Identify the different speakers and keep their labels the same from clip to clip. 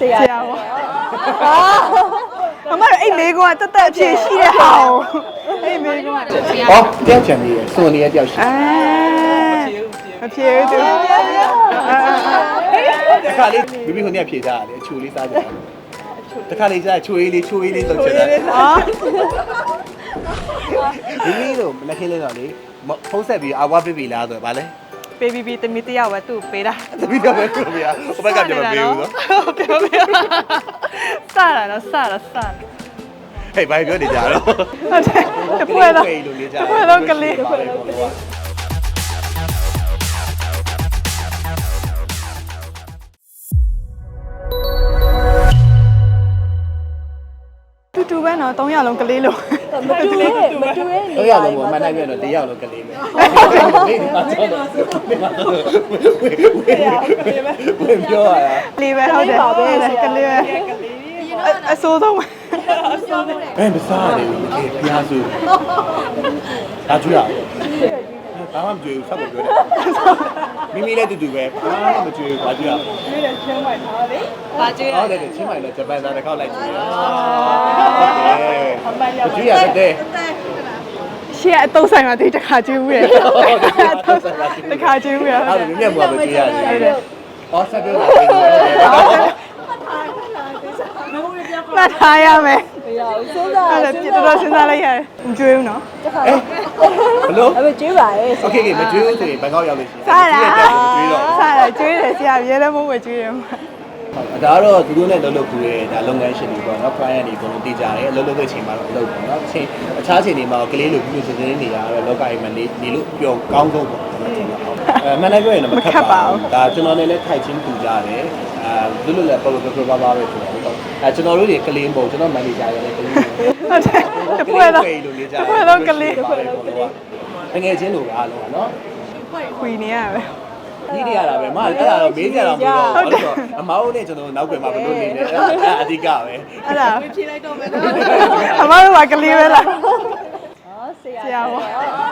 Speaker 1: ရာပေါ့အမအဲ့မေကွာတက်တက်အဖြစ်ရှိတဲ့ဟာကိုအဲ့မေကွာ
Speaker 2: ဟောတယောက်ချန်ကြီးရယ်စွန်နေရတယောက်ရှိ
Speaker 1: မဖြေဘူးသူ
Speaker 2: တခါလေးမိမိခုနှစ်ဖြေစားရတယ်အချိုလေးစားကြတယ်တခါလေးစားချိုးလေးဆိုချင်တယ်မိမိတို့မလက်ခင်းလေးတော့လေဖုံးဆက်ပြီးအဝါပေးပြီလားဆိုတော့ဗာလဲ
Speaker 1: ပေးပြီးတမီတယောက်ပဲသူ့ပေးတာ
Speaker 2: တမီတော့ပဲပြောပြရဟိုဘက်ကပြန်မပေးဘူးနော်
Speaker 1: ပြောပြစတာတော့စတာ
Speaker 2: ဟေးဘာပြောနေကြတော့
Speaker 1: ဟုတ်တယ်တပွဲတော့ကလေးတူပဲနော်3ရက်လုံးကလေးလို့
Speaker 3: မတူရဲ
Speaker 2: 3ရက်လုံးကမနိုင်ပြတော့1ရက်လုံးကလေးပဲနေဒီမှာတော့ဝင်ပြောရတာ
Speaker 1: လေးပဲဟုတ်တယ်ကလေးပဲအစိုးဆုံး
Speaker 2: ဘယ်မစားနေဘူးခေဖျားစုဒါကြွရဘာမှမကြွေဘူးဆက်ပြောတယ်မိမိလည်းတူတူပဲဘာမှမကြွေဘူးဘာကြွရ
Speaker 1: မိရချင်းမိုက်ထားလေဘာကြွရ
Speaker 2: ဟုတ်တယ်ချင်းမိုက်လည်းဂျပန်သားတစ်ခေါက်လိုက်ကြည့်ရကြွရတဲ့
Speaker 1: ရှေ့အတုံးဆိုင်မှာဒီတစ်ခါကျွေးဦးရတစ်ခါကျွေးဦးရ
Speaker 2: အဲ့လိုမြတ်မှာပဲကြွရတယ်ဟောဆက်ပြောတာ
Speaker 1: မှတ်ထားရမယ်
Speaker 3: မရဘူးစိုးစား
Speaker 1: အဲ့ဒါတော်စဉ်းစားလိုက်ရတယ်မကျွေးဘူးနော်
Speaker 2: ဘလို့
Speaker 3: အဲ့ကျွေးပါရဲ့
Speaker 2: โอเคမကျွေးဘူးဆိုရင်ဘန်ကောက်ရောက်လို့ရှိရင်
Speaker 1: စားတာကျွေးတယ်ဆရာရဲလည်းမဟုတ်ပဲကျွေးတယ်
Speaker 2: ဟုတ်ဒါကတော့သူတို့နဲ့လှုပ်လှုပ်ကူရဲ့ဒါလုပ်ငန်းရှင်တွေပေါ့နော် client တွေအကုန်လုံးတည်ကြတယ်လှုပ်လှုပ်တဲ့အချိန်မှာတော့လှုပ်ပေါ့နော်အခြားချိန်တွေမှာကလေးလိုပြုစုစင်းနေရတော့လောကအိမ်မှာနေလို့ပျော်ကောင်းဆုံးပေါ့နော်မှန်တယ်ပြောရင်တော့မခက်ပါဘူးဒါကျွန်တော်လည်းထိုက်ချင်းပူကြတယ်လွတ်လွတ်လည်းပေါ်ပေါ်ပါပါပဲဆိုတော့ကျွန်တော်တို့တွေကလေးမဟုတ်ကျွန်တော်မန်နေဂျာရယ်လည်းကလေး
Speaker 1: ဟုတ်တယ်တပွဲတော့ကလေး
Speaker 2: တကယ်ချင်းလိုအားလုံးနော်
Speaker 1: ခွေနေရပဲ
Speaker 2: ဒီနေရတာပဲမအဲ့ဒါတော့မေးကြတာမဟုတ်တော့ဟုတ်တော့အမောင်းနဲ့ကျွန်တော်နောက်ွယ်မှာဘလို့နေလဲအဲ့အဓိကပဲ
Speaker 1: အဲ့ဒါဖြေလိုက်တော့မယ်အမောင်းကကလေးပဲလားဆရာပေါ့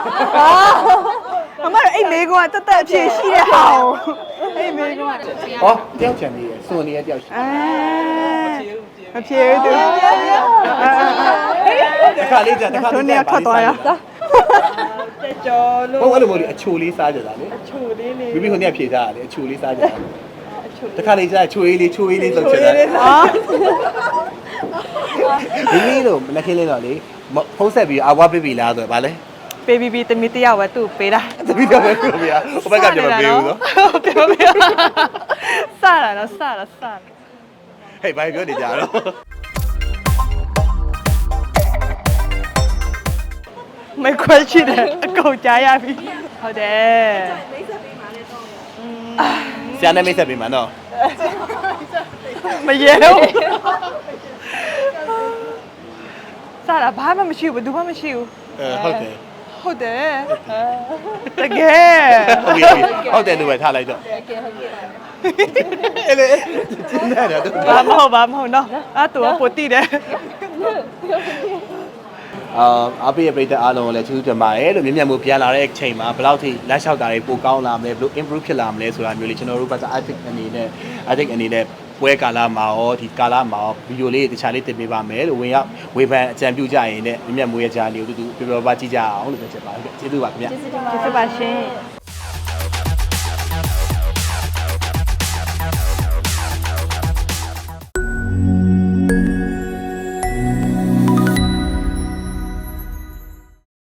Speaker 1: အမအဲ့မေကွာတက်တက်အဖြစ်ရှိတဲ့ဟာကိုအဲ့မေကွာ
Speaker 2: ဟောတယောက်ချန်ကြီးရယ်စွန်နေရတယောက်ရှိ
Speaker 1: မဖြေဘူးသူ
Speaker 2: တခါလေးကြာတခါလေး
Speaker 1: ကြာထွက်သွားရကြော်လို့
Speaker 2: ဟုတ်အဲ့လိုမျိုးအချိုလေးစားကြတာလေ
Speaker 1: အချိုလေး
Speaker 2: မိမိခုနှစ်ဖြေစားရတယ်အချိုလေးစားကြတာတခါလေးကြာချိုလေးဆိုချင်တယ်မိမိတို့မလက်ခင်းလေးတော့လေဖုံးဆက်ပြီးအဝါပေးပြီလားဆိုတော့ဗာလဲ
Speaker 1: ပေးပြီးတမီတယောက်ပဲသူ့ပေးတာ
Speaker 2: တမီတော့ပဲပြောပြရဟိုဘက်ကပြန်မပေးဘူးနော်
Speaker 1: ပြောပြစတာတော့စ
Speaker 2: ဟေးဘာပြောနေကြတော့
Speaker 1: ไม่ခွဲရှိတယ်အကုန်ကြားရပြီဟုတ်တယ်
Speaker 2: ဆရာနဲ့မိတ်ဆက်ပေးမှာနော်
Speaker 1: မရဲတော့စားတာဘာမှမရှိဘူးဘယ်သူမှမရှိဘူး
Speaker 2: ဟုတ်တယ်
Speaker 1: တကယ်
Speaker 2: ဟုတ်တယ်လို့ပဲထားလိုက်တော့အဲ့လေကျင်းတယ်တော့
Speaker 1: ဘာမဟုတ်နော်အဲ့တူကပိုတိတယ်
Speaker 2: အားပေးရပြည်တဲ့အားလုံးကိုလည်းကျေးဇူးတင်ပါတယ်လို့မြင်မြတ်မှုပြန်လာတဲ့အချိန်မှာဘယ်လောက်ထိလက်လျှောက်တာတွေပိုကောင်းလာမလဲဘယ်လို improve ဖြစ်လာမလဲဆိုတာမျိုးလေးကျွန်တော်တို့က ethic အနေနဲ့ပွဲကာလမှာရောဒီကာလမှာရောဗီဒီယိုလေးတခြားလေးတင်ပေးပါမယ်လို့ဝင်ရောက်ဝေဖန်အကြံပြုကြရင်လည်းမြင်မြတ်မှုရဲ့ဂျာနီကိုတူတူပြောပြကြည့်ကြအောင်လို့ပြောချင်ပါတယ်ကျေးဇူးပါခင်ဗျ
Speaker 1: ကျေးဇူးပါရှင်